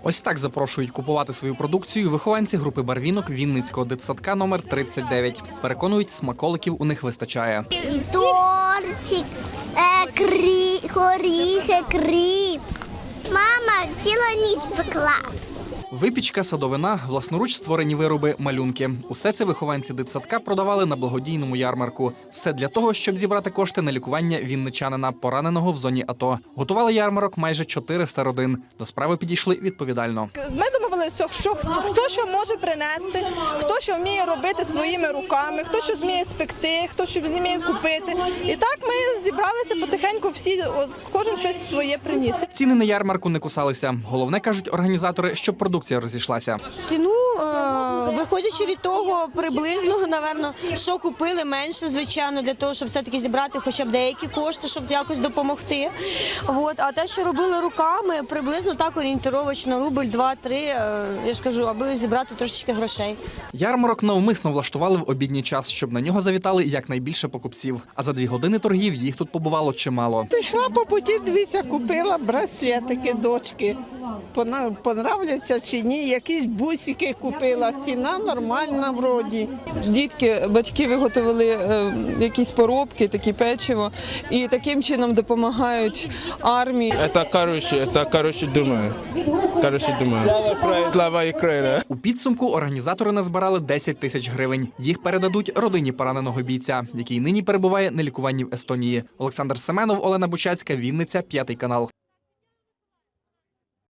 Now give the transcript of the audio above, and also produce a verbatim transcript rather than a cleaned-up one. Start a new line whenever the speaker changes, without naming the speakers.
Ось так запрошують купувати свою продукцію вихованці групи барвінок Вінницького дитсадка номер тридцять дев'ять. Переконують, смаколиків у них вистачає.
Тортик, е, крі, горіхи, кріп. Мама цілу ніч пекла.
Випічка, садовина, власноруч створені вироби, малюнки. Усе це вихованці дитсадка продавали на благодійному ярмарку. Все для того, щоб зібрати кошти на лікування вінничанина, пораненого в зоні АТО. Готували ярмарок майже чотириста родин. До справи підійшли відповідально.
Ми домовилися, що хто, хто що може принести, хто що вміє робити своїми руками, хто що зміє спекти, хто що зміє купити. І так ми зібралися потихеньку, всі, от, кожен щось своє приніс.
Ціни на ярмарку не кусалися. Головне, кажуть організатори, щоб продукція розійшлася.
Ціну, е, виходячи від того, приблизно, напевно, що купили менше, звичайно, для того, щоб все-таки зібрати хоча б деякі кошти, щоб якось допомогти. От. А те, що робили руками, приблизно так орієнтировочно, рубль, два-три, е, я ж кажу, аби зібрати трошечки грошей.
Ярмарок навмисно влаштували в обідній час, щоб на нього завітали якнайбільше покупців. А за дві години торгів їх тут побувало чимало.
Пішла по путі, дивіться, купила браслетики дочки. Пона- Понравляться чи ні, якісь бусики купила, ціна нормальна вроді.
Дітки, батьки виготовили е, якісь поробки, такі печиво, і таким чином допомагають армії.
Это короче, это короче думаю. Короче думаю. Слава Україні.
У підсумку організатори назбирали десять тисяч гривень. Їх передадуть родині пораненого бійця, який нині перебуває на лікуванні в Естонії. Олександр Семенов, Олена Бучацька, Вінниця, п'ятий канал.